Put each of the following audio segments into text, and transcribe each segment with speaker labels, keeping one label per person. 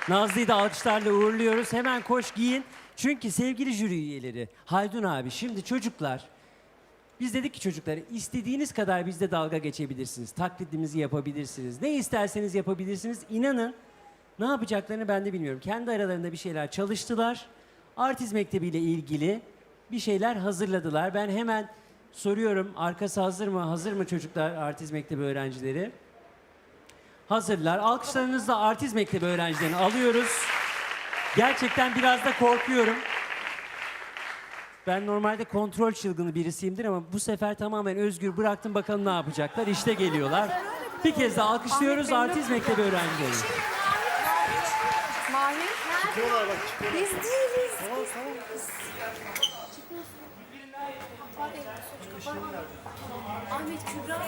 Speaker 1: Nazlı'yı da alkışlarla uğurluyoruz. Hemen koş giyin. Çünkü sevgili jüri üyeleri, Haldun abi, şimdi çocuklar, biz dedik ki çocuklara istediğiniz kadar bizde dalga geçebilirsiniz. Taklidimizi yapabilirsiniz. Ne isterseniz yapabilirsiniz. İnanın ne yapacaklarını ben de bilmiyorum. Kendi aralarında bir şeyler çalıştılar. Artist Mektebi ile ilgili bir şeyler hazırladılar. Ben hemen soruyorum, arkası hazır mı? Hazır mı çocuklar, Artist Mektebi öğrencileri? Hazırlar. Alkışlarınızla Artist Mektebi öğrencilerini alıyoruz. Gerçekten biraz da korkuyorum. Ben normalde kontrol çılgını birisiyimdir ama bu sefer tamamen özgür bıraktım, bakalım ne yapacaklar. İşte geliyorlar. Bir kez daha alkışlıyoruz Artist Mektebi öğrencileri.
Speaker 2: Mahir.
Speaker 3: Çıkıyorlar bak, çıkıyorlar.
Speaker 2: Biz değiliz.
Speaker 3: Tamam.
Speaker 2: Ahmet Kübra.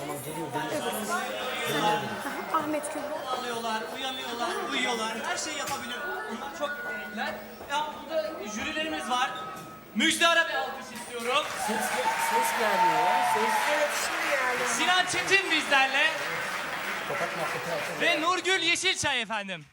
Speaker 2: Ahmet Kübra.
Speaker 4: Alıyorlar, uyanıyorlar, uyuyorlar. Her şeyi yapabilir. Onlar çok yetenekliler. Ya burada jürilerimiz var. Müjdar'a bir alkış istiyorum.
Speaker 1: Ses gelmiyor ya.
Speaker 2: Evet şimdi geldi.
Speaker 4: Sinan Çetin bizlerle. Ve Nurgül Yeşilçay efendim.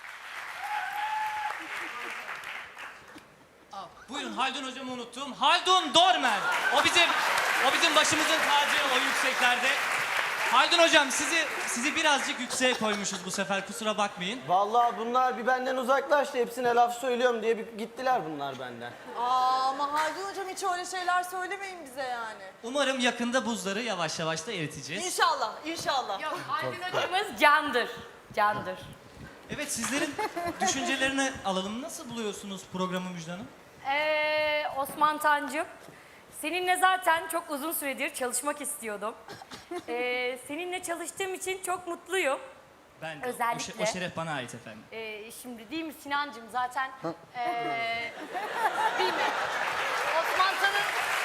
Speaker 4: Buyurun, Haldun hocamı unuttum. Haldun Dormen. O bizim başımızın tacı o yükseklerde. Haldun hocam sizi birazcık yükseğe koymuşuz bu sefer, kusura bakmayın.
Speaker 3: Vallahi bunlar bir benden uzaklaştı. Hepsine laf söylüyorum diye bir gittiler bunlar benden.
Speaker 5: Ama Haldun hocam hiç öyle şeyler söylemeyin bize yani.
Speaker 4: Umarım yakında buzları yavaş yavaş da eriteceğiz.
Speaker 5: İnşallah, inşallah.
Speaker 2: Yok Haldun hocamız candır. Candır.
Speaker 4: Evet, sizlerin düşüncelerini alalım. Nasıl buluyorsunuz programı Müjde Hanım?
Speaker 2: Osman Tancım, seninle zaten çok uzun süredir çalışmak istiyordum. Seninle çalıştığım için çok mutluyum.
Speaker 4: Ben de.
Speaker 2: Özellikle.
Speaker 4: O şeref bana ait efendim.
Speaker 2: Şimdi değil mi Sinancığım zaten değil mi? Osman Tan'ın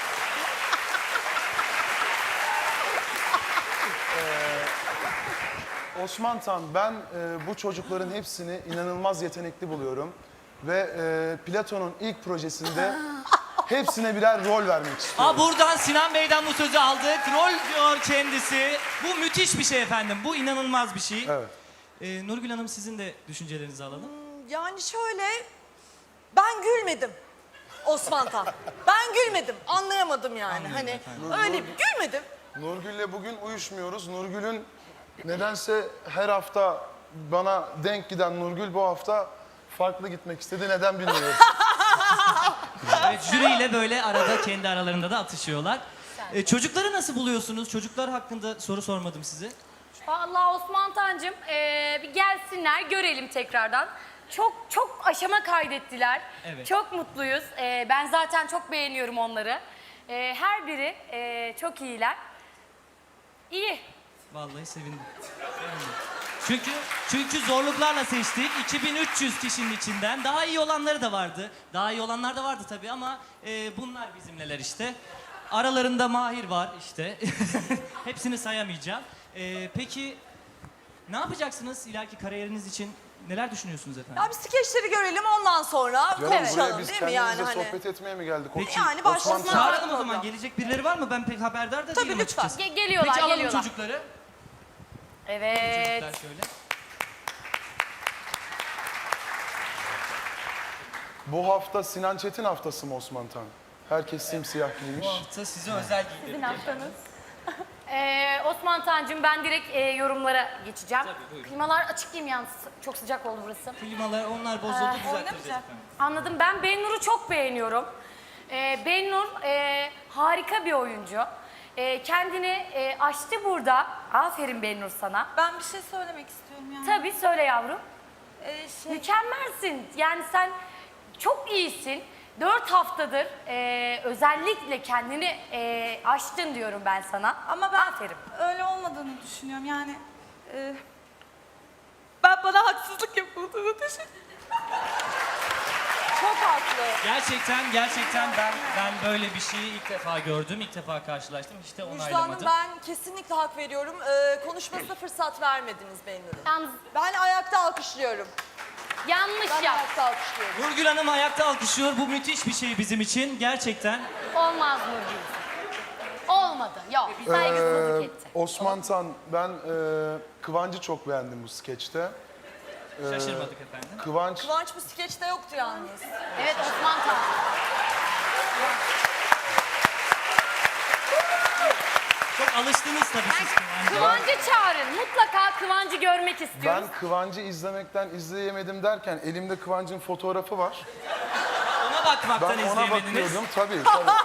Speaker 6: Osman Tan, ben bu çocukların hepsini inanılmaz yetenekli buluyorum. Ve Platon'un ilk projesinde hepsine birer rol vermek istiyorum.
Speaker 4: Buradan Sinan Bey'den bu sözü aldık. Rol diyor kendisi. Bu müthiş bir şey efendim. Bu inanılmaz bir şey.
Speaker 6: Evet.
Speaker 4: Nurgül Hanım, sizin de düşüncelerinizi alalım.
Speaker 5: Yani şöyle, ben gülmedim Osman Tan. Ben gülmedim, anlayamadım yani.
Speaker 4: Anlıyorum
Speaker 5: Hani
Speaker 4: efendim.
Speaker 5: öyle gülmedim.
Speaker 6: Nurgül'le bugün uyuşmuyoruz. Nurgül'ün nedense her hafta bana denk giden Nurgül bu hafta farklı gitmek istedi. Neden bilmiyorum.
Speaker 4: Evet, jüriyle böyle arada kendi aralarında da atışıyorlar. Çocukları nasıl buluyorsunuz? Çocuklar hakkında soru sormadım size.
Speaker 2: vallahi Osman Tancım bir gelsinler görelim tekrardan. Çok aşama kaydettiler.
Speaker 4: Evet.
Speaker 2: Çok mutluyuz. Ben zaten çok beğeniyorum onları. Her biri çok iyiler. İyi.
Speaker 4: Vallahi sevindim. Çünkü zorluklarla seçtik. 2300 kişinin içinden daha iyi olanları da vardı. Daha iyi olanlar da vardı tabii ama bunlar bizimleler işte. Aralarında Mahir var işte. Hepsini sayamayacağım. Peki ne yapacaksınız ileriki kariyeriniz için? Neler düşünüyorsunuz efendim?
Speaker 5: Ya bir skeçleri görelim ondan sonra
Speaker 6: Canım buraya
Speaker 5: konuşalım
Speaker 6: biz
Speaker 5: değil mi yani
Speaker 6: kendimizle
Speaker 5: hani.
Speaker 6: sohbet etmeye mi geldik?
Speaker 4: Peki,
Speaker 5: Yani başlasın.
Speaker 6: Osman Tan.
Speaker 4: Çağıralım o zaman. Gelecek birileri var mı? Ben pek haberdar da
Speaker 5: Tabii,
Speaker 4: değilim
Speaker 5: lütfen.
Speaker 4: açıkçası.
Speaker 2: Geliyorlar,
Speaker 4: Peki alalım
Speaker 2: geliyorlar.
Speaker 4: çocukları.
Speaker 2: Evet.
Speaker 4: Çocuklar şöyle.
Speaker 6: Bu hafta Sinan Çetin haftası mı Osman Tan? Herkes simsiyah giymiş.
Speaker 4: Bu hafta size özel giydirdim.
Speaker 2: Sizin haftanız. Osman Tancım, ben direkt yorumlara geçeceğim.
Speaker 4: Tabii, buyurun.
Speaker 2: Klimalar açık değil mi yalnız? Çok sıcak oldu burası.
Speaker 4: Klimalar onlar bozuldu, düzelttireceğiz efendim.
Speaker 2: Anladım. Ben Bennur'u çok beğeniyorum. Bennur harika bir oyuncu. Kendini aştı burada. Aferin Bennur sana.
Speaker 5: Ben bir şey söylemek istiyorum yani.
Speaker 2: Tabii söyle yavrum.
Speaker 5: Şey,
Speaker 2: Mükemmelsin. Yani sen çok iyisin. 4 haftadır özellikle kendini aştın diyorum ben sana.
Speaker 7: Ama ben
Speaker 2: Aferin.
Speaker 7: öyle olmadığını düşünüyorum yani. Ben bana haksızlık yapıldığını düşünüyorum.
Speaker 5: çok haklı.
Speaker 4: Gerçekten ben böyle bir şeyi ilk defa gördüm, ilk defa karşılaştım. İşte
Speaker 5: Müjde Hanım,
Speaker 4: onaylamadım.
Speaker 5: ben kesinlikle hak veriyorum. Konuşmasına fırsat vermediniz Bennur'un.
Speaker 2: Yalnız
Speaker 5: Ben ayakta alkışlıyorum.
Speaker 2: yanlış
Speaker 5: Ben
Speaker 2: yap.
Speaker 5: ayakta alkışlıyorum.
Speaker 4: Nurgül Hanım ayakta alkışlıyor. Bu müthiş bir şey bizim için. Gerçekten.
Speaker 2: Olmaz Nurgül. Olmadı. Yok. Saygısızlık etti.
Speaker 6: Osman Tan, ben Kıvancı çok beğendim bu skeçte.
Speaker 4: Şaşırmadık efendim.
Speaker 6: Kıvanç
Speaker 5: Kıvanç bu skeçte yoktu yalnız.
Speaker 2: Evet Osman Tan.
Speaker 4: Çok alıştınız tabii siz Kıvanç'a.
Speaker 2: Kıvancı çağırın. Mutlaka Kıvancı görmek istiyoruz.
Speaker 6: ben Kıvanç'ı izlemekten izleyemedim derken elimde Kıvanç'ın fotoğrafı var.
Speaker 4: Ona bakmaktan
Speaker 6: Ben ona
Speaker 4: izleyemediniz.
Speaker 6: bakıyordum tabii.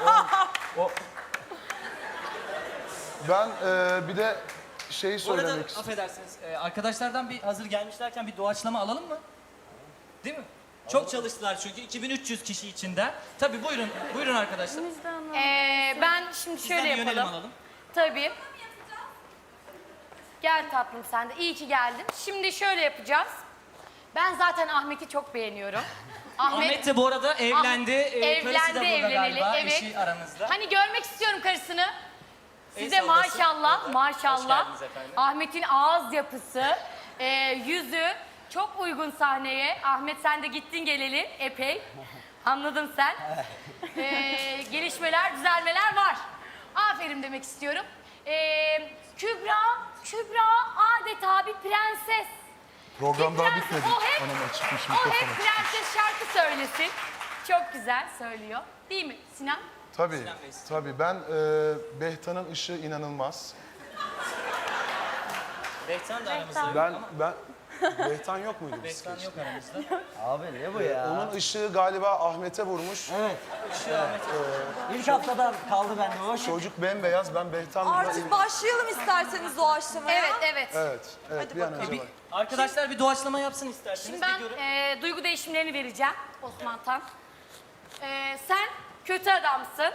Speaker 6: Ben bir de şeyi
Speaker 4: Bu arada
Speaker 6: söylemek istiyorum.
Speaker 4: affedersiniz arkadaşlardan bir hazır gelmişlerken bir doğaçlama alalım mı? Değil mi? Çok çalıştılar çünkü 2300 kişi içinden. Tabii buyurun arkadaşlar.
Speaker 2: Ben şimdi
Speaker 4: Sizden
Speaker 2: şöyle
Speaker 4: bir yönelim
Speaker 2: yapalım.
Speaker 4: alalım.
Speaker 2: Tabii. Gel tatlım sen de. İyi ki geldin. Şimdi şöyle yapacağız. Ben zaten Ahmet'i çok beğeniyorum.
Speaker 4: Ahmet de bu arada evlendi. Karısı da burada
Speaker 2: evleneli,
Speaker 4: galiba,
Speaker 2: evet.
Speaker 4: eşi aranızda.
Speaker 2: Hani görmek istiyorum karısını. Size
Speaker 4: El sallasın.
Speaker 2: maşallah,
Speaker 4: Hoş
Speaker 2: maşallah.
Speaker 4: geldiniz efendim.
Speaker 2: Ahmet'in ağız yapısı, yüzü çok uygun sahneye. Ahmet sen de gittin geleli epey. Anladın sen. Gelişmeler, düzelmeler var. Aferin demek istiyorum. Kübra adeta bir prenses.
Speaker 6: Program daha
Speaker 2: Prenses,
Speaker 6: bitmedi.
Speaker 2: o hep-
Speaker 6: Anam açıkmış
Speaker 2: O
Speaker 6: mikrofonu.
Speaker 2: hep prenses şarkı söylesin. Çok güzel söylüyor. Değil mi Sinan?
Speaker 6: Tabii,
Speaker 4: Sinan Bey.
Speaker 6: tabii. Ben Behtan'ın ışığı inanılmaz.
Speaker 4: Behtan da aramızda yok
Speaker 6: Ben,
Speaker 4: ama
Speaker 6: ben... Behtan yok muydu?
Speaker 4: Behtan yok aramızda.
Speaker 3: Abi ne bu ya?
Speaker 6: Onun ışığı galiba Ahmet'e vurmuş.
Speaker 3: Evet.
Speaker 4: Işığı Ahmet.
Speaker 3: İlk haftadan kaldı bende o.
Speaker 6: Çocuk bembeyaz, ben Behtan'la...
Speaker 5: Artık başlayalım isterseniz doğaçlamaya.
Speaker 2: Evet, evet.
Speaker 6: Evet, bir an önce bak.
Speaker 4: Arkadaşlar bir doğaçlama yapsın isterseniz.
Speaker 2: Şimdi
Speaker 4: bir
Speaker 2: ben
Speaker 4: görün.
Speaker 2: duygu değişimlerini vereceğim Osman Tan. Sen kötü adamsın.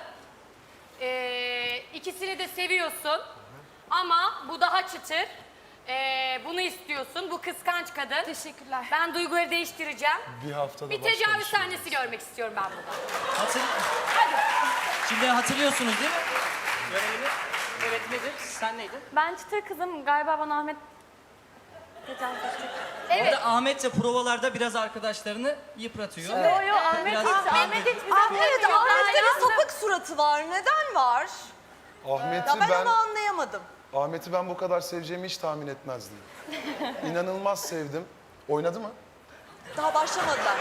Speaker 2: İkisini de seviyorsun. Ama bu daha çıtır. Bunu istiyorsun. Bu kıskanç kadın.
Speaker 7: Teşekkürler.
Speaker 2: Ben duyguları değiştireceğim.
Speaker 6: Bir haftada
Speaker 2: Bir
Speaker 6: başlamış.
Speaker 2: tecavüz sahnesi görmek istiyorum ben burada. Hadi.
Speaker 4: Şimdi hatırlıyorsunuz değil mi? Görevini. Evet nedir? Sen neydin?
Speaker 7: Ben çıtır kızım. Galiba bana Ahmet tecavüz edecek.
Speaker 2: Evet.
Speaker 4: Orada Ahmet de provalarda biraz arkadaşlarını yıpratıyor.
Speaker 7: Yo yo Ahmet
Speaker 4: Biraz
Speaker 7: hiç.
Speaker 4: kavga
Speaker 7: Ahmet hiç bize
Speaker 5: Evet, Ahmet'te bir sapık suratı var. Neden var?
Speaker 6: Ahmet'i
Speaker 5: Ya ben
Speaker 6: ben,
Speaker 5: onu anlayamadım.
Speaker 6: Ahmet'i ben bu kadar seveceğimi hiç tahmin etmezdim. İnanılmaz sevdim. Oynadı mı?
Speaker 5: Daha başlamadılar.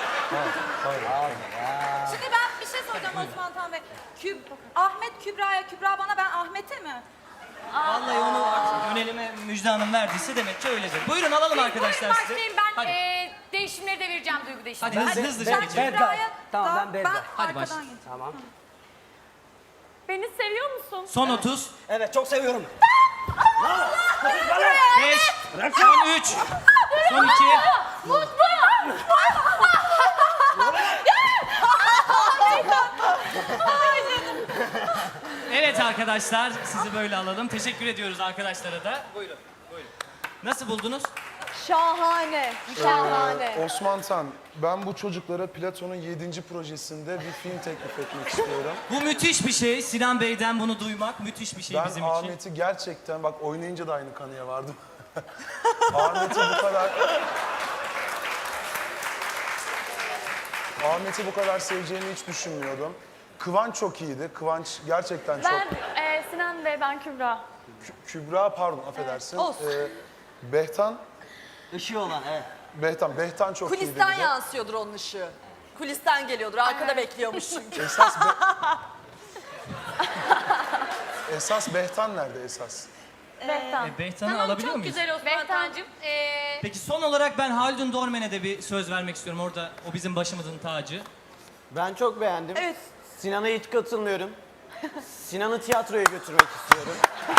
Speaker 7: Şimdi ben bir şey soracağım Osman Tan Bey. Ahmet Kübra'ya, Kübra bana, ben Ahmet'e mi?
Speaker 4: Vallahi onu artık yönelime Müjde Hanım verdiyse demek ki öyledir. Buyurun alalım arkadaşlar
Speaker 2: Buyurun
Speaker 4: sizi.
Speaker 2: başlayayım ben
Speaker 4: Hadi.
Speaker 2: değişimleri de vereceğim duygu
Speaker 4: Hadi
Speaker 2: değişimleri.
Speaker 4: hızlıca
Speaker 3: ben-
Speaker 4: geçelim.
Speaker 7: Kübra'ya
Speaker 3: Tamam,
Speaker 7: da-
Speaker 3: ben Berda.
Speaker 4: Hadi
Speaker 7: arkadan
Speaker 4: başla.
Speaker 7: geçeyim.
Speaker 3: Tamam.
Speaker 7: Beni seviyor musun?
Speaker 4: Son 30,
Speaker 3: Evet çok seviyorum.
Speaker 4: 5, son 3, son 2. Evet arkadaşlar sizi böyle alalım. Teşekkür ediyoruz arkadaşlara da. Buyurun. Nasıl buldunuz?
Speaker 5: Şahane. Şahane.
Speaker 6: Osman Tan, ben bu çocuklara Platon'un 7. projesinde bir film teklif etmek istiyorum.
Speaker 4: Bu müthiş bir şey. Sinan Bey'den bunu duymak müthiş bir şey
Speaker 6: Ben
Speaker 4: bizim için.
Speaker 6: Ahmet'i gerçekten, bak oynayınca da aynı kanıya vardım. Ahmet'i bu kadar... Ahmet'i bu kadar seveceğimi hiç düşünmüyordum. Kıvanç çok iyiydi. Kıvanç gerçekten çok...
Speaker 7: Ben Sinan Bey, ben Kübra.
Speaker 6: Kübra, pardon affedersin.
Speaker 5: Olsun.
Speaker 6: Behtan,
Speaker 3: Işığı olan evet.
Speaker 6: Behtan çok iyiydi.
Speaker 5: Kulisten
Speaker 6: bir de.
Speaker 5: yansıyordur onun ışığı. Kulisten geliyordur. Arkada bekliyormuş çünkü.
Speaker 6: Esas Behtan nerede esas?
Speaker 7: Behtan.
Speaker 4: Behtan'ı
Speaker 2: Tamam
Speaker 4: alabiliyor
Speaker 2: çok
Speaker 4: muyuz?
Speaker 2: güzel Osman Tancığım.
Speaker 4: Peki son olarak ben Haldun Dormen'e de bir söz vermek istiyorum. Orada o bizim başımızın tacı.
Speaker 3: Ben çok beğendim.
Speaker 5: Evet.
Speaker 3: Sinan'a hiç katılmıyorum. Sinan'ı tiyatroya götürmek istiyorum.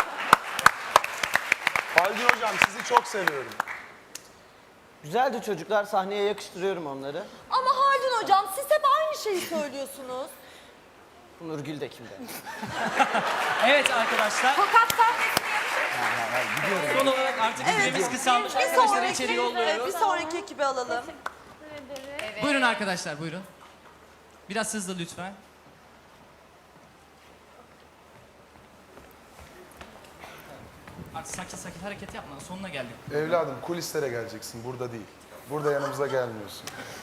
Speaker 6: Haldun Hocam sizi çok seviyorum.
Speaker 3: Güzeldi çocuklar. Sahneye yakıştırıyorum onları.
Speaker 5: Ama Haldun hocam siz hep aynı şeyi söylüyorsunuz.
Speaker 3: Nurgül de kimde?
Speaker 4: Evet arkadaşlar.
Speaker 7: Fakat sahnesini
Speaker 4: Son olarak artık süremiz kısalmış.
Speaker 5: Bir
Speaker 4: Arkadaşları
Speaker 5: sonraki,
Speaker 4: içeri
Speaker 5: bir
Speaker 4: yolluyoruz.
Speaker 5: sonraki ekibi alalım.
Speaker 4: Buyurun arkadaşlar buyurun. Biraz hızlı lütfen. Artık sakin sakin hareket yapma. Sonuna geldik.
Speaker 6: Evladım kulislere geleceksin, burada değil. Burada yanımıza gelmiyorsun.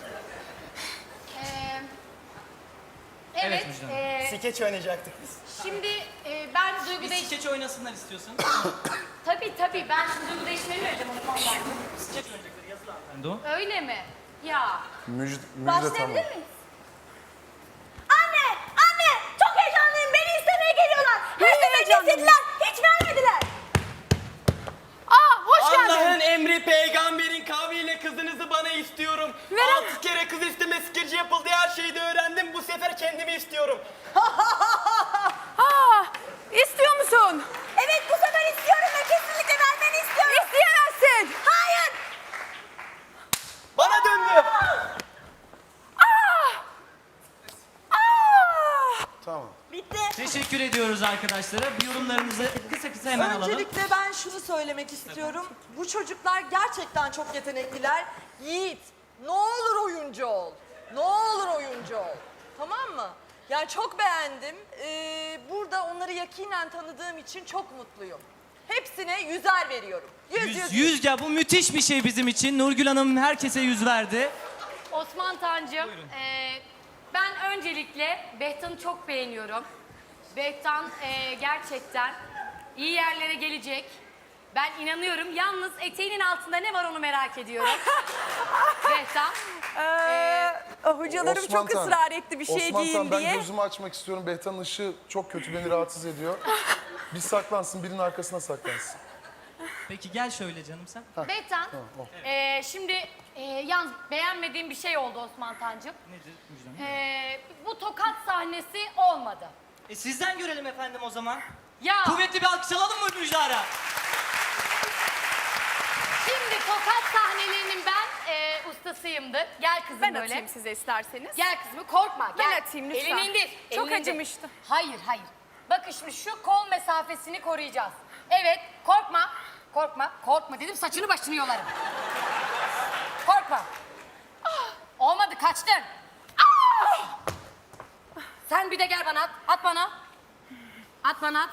Speaker 2: Evet.
Speaker 4: Müjde Hanım.
Speaker 3: Skeç oynayacaktık biz.
Speaker 2: Şimdi ben duygu
Speaker 4: Bir
Speaker 2: değişim...
Speaker 4: skeç oynasınlar istiyorsan.
Speaker 2: Tabii ben duygu değişimleri vereceğim Osman Tancığım.
Speaker 4: Skeç oynayacakları yazılı anlar. Ben de o.
Speaker 2: Öyle mi? Ya.
Speaker 6: Müjde tamam.
Speaker 7: Başlayabilir miyiz? Anne! Anne! Çok heyecanlıyım. Beni istemeye geliyorlar. Her seferinde istediler. Hiç vermediler.
Speaker 2: Hoş geldin.
Speaker 8: Allah'ın emri peygamberin kavliyle kızınızı bana istiyorum. 6 kere kız isteme skeci yapıldı, her şeyi de öğrendim. Bu sefer kendimi istiyorum.
Speaker 7: İstiyor musun? Evet, bu sefer istiyorum ve kesinlikle vermeni istiyorum. İsteyemezsin. Hayır.
Speaker 8: Bana döndü.
Speaker 6: Tamam.
Speaker 5: Bitti.
Speaker 4: Teşekkür ediyoruz arkadaşlara. Bir yorumlarınızı kısa hemen alalım.
Speaker 5: Öncelikle ben şunu söylemek istiyorum. Bu çocuklar gerçekten çok yetenekliler. Yiğit, ne olur oyuncu ol. Ne olur oyuncu ol. Tamam mı? Yani çok beğendim. Burada onları yakinen tanıdığım için çok mutluyum. Hepsine 100'er veriyorum. 100.
Speaker 4: Ya bu müthiş bir şey bizim için. Nurgül Hanım herkese 100 verdi.
Speaker 2: Osman Tancım, ben öncelikle Behtan'ı çok beğeniyorum. Behtan gerçekten iyi yerlere gelecek. Ben inanıyorum. Yalnız eteğinin altında ne var onu merak ediyorum. Behtan.
Speaker 7: Hocalarım
Speaker 6: Osman
Speaker 7: çok
Speaker 6: Tan,
Speaker 7: ısrar etti bir şey
Speaker 6: Osman
Speaker 7: giyin
Speaker 6: Tan, ben
Speaker 7: diye.
Speaker 6: gözümü açmak istiyorum. Behtan'ın ışığı çok kötü, beni rahatsız ediyor. Bir saklansın, birinin arkasına saklansın.
Speaker 4: Peki gel şöyle canım sen.
Speaker 2: Behtan, şimdi yalnız beğenmediğim bir şey oldu Osman Tancım.
Speaker 4: Nedir Müjde Hanım?
Speaker 2: Bu tokat sahnesi olmadı.
Speaker 4: Sizden görelim efendim o zaman.
Speaker 2: Ya
Speaker 4: Kuvvetli bir alkış alalım mı Müjdar'a?
Speaker 2: şimdi tokat sahnelerinin ben ustasıyımdır. Gel kızım
Speaker 7: Ben
Speaker 2: böyle.
Speaker 7: atayım size isterseniz.
Speaker 2: Gel kızım korkma.
Speaker 7: Ben
Speaker 2: Gel.
Speaker 7: atayım lütfen.
Speaker 2: Elini indir.
Speaker 7: Çok
Speaker 2: elini indir.
Speaker 7: acımıştı.
Speaker 2: Hayır hayır. Bakın şimdi şu kol mesafesini koruyacağız. Evet korkma. Korkma. Korkma dedim saçını başını yolarım. Korkma. Olmadı kaçtın. Sen bir de gel bana at. At bana. At bana at.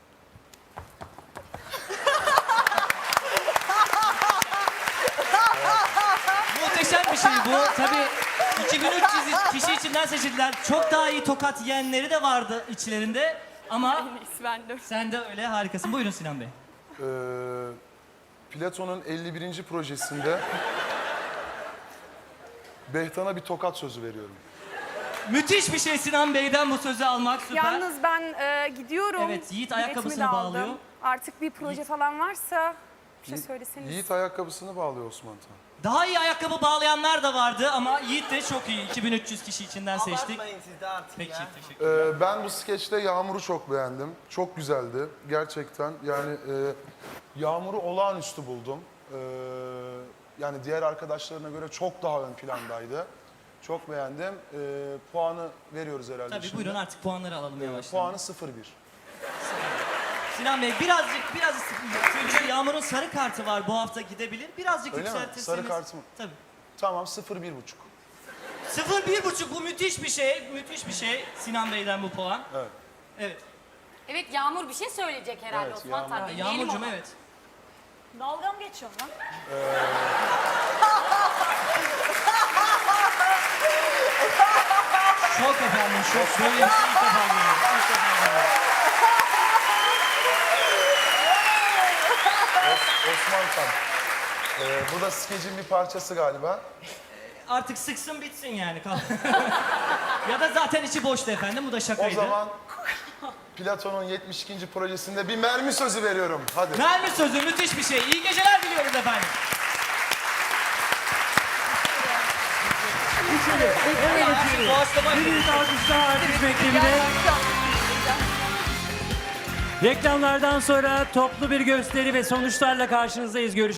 Speaker 4: Muhteşem bir şey bu. Tabii 2300 kişi içinden seçildiler. Çok daha iyi tokat yiyenleri de vardı içlerinde. Ama sen de öyle harikasın. Buyurun Sinan Bey.
Speaker 6: Platon'un 51. projesinde Behtan'a bir tokat sözü veriyorum.
Speaker 4: Müthiş bir şey Sinan Bey'den bu sözü almak süper.
Speaker 9: Yalnız ben gidiyorum.
Speaker 4: Evet, Yiğit
Speaker 9: Biletimi
Speaker 4: ayakkabısını
Speaker 9: de aldım.
Speaker 4: bağlıyor.
Speaker 9: Artık bir proje falan varsa bir şey söyleseniz.
Speaker 6: Yiğit ayakkabısını bağlıyor Osman Tan.
Speaker 4: Daha iyi ayakkabı bağlayanlar da vardı ama Yiğit de çok iyi. 2300 kişi içinden seçtik.
Speaker 8: Abartmayın siz de artık
Speaker 4: Peki,
Speaker 8: ya.
Speaker 4: teşekkür
Speaker 6: Ben bu skeçte Yağmur'u çok beğendim. Çok güzeldi gerçekten. Yani Yağmur'u olağanüstü buldum. Yani diğer arkadaşlarına göre çok daha ön plandaydı. Çok beğendim. Puanı veriyoruz herhalde
Speaker 4: Tabii
Speaker 6: şimdi.
Speaker 4: buyurun artık puanları alalım yavaştan.
Speaker 6: Puanı 0-1.
Speaker 4: Sinan Bey biraz sevgili Yağmur'un sarı kartı var bu hafta gidebilir. Birazcık
Speaker 6: Öyle mi?
Speaker 4: yükseltirseniz.
Speaker 6: Sarı kartı mı?
Speaker 4: Tabii.
Speaker 6: Tamam 0-1,5.
Speaker 4: 0,5 bu müthiş bir şey. Müthiş bir şey Sinan Bey'den bu puan.
Speaker 6: Evet.
Speaker 4: Evet.
Speaker 2: Evet Yağmur bir şey söyleyecek herhalde
Speaker 6: Evet,
Speaker 2: Osman
Speaker 6: Yağmur.
Speaker 2: Tan.
Speaker 4: Ha,
Speaker 2: Dinleyelim
Speaker 4: Yağmurcuğum
Speaker 2: onu.
Speaker 4: evet.
Speaker 5: Dalga mı geçiyorsun lan?
Speaker 4: Şok efendim şok. Böyle bir şey ilk defa görüyorum. İlk defa görüyorum.
Speaker 6: Osman Tan. Bu da skecin bir parçası galiba.
Speaker 4: Artık sıksın bitsin yani. Ya da zaten içi boştu efendim. Bu da
Speaker 6: O
Speaker 4: şakaydı.
Speaker 6: zaman Platon'un 72. projesinde bir mermi sözü veriyorum. Hadi.
Speaker 4: Mermi sözü müthiş bir şey. İyi geceler diliyoruz efendim. Doğaçlama
Speaker 1: Bir büyük alkışlar artist mektebine. Reklamlardan sonra toplu bir gösteri ve sonuçlarla karşınızdayız. Görüşmek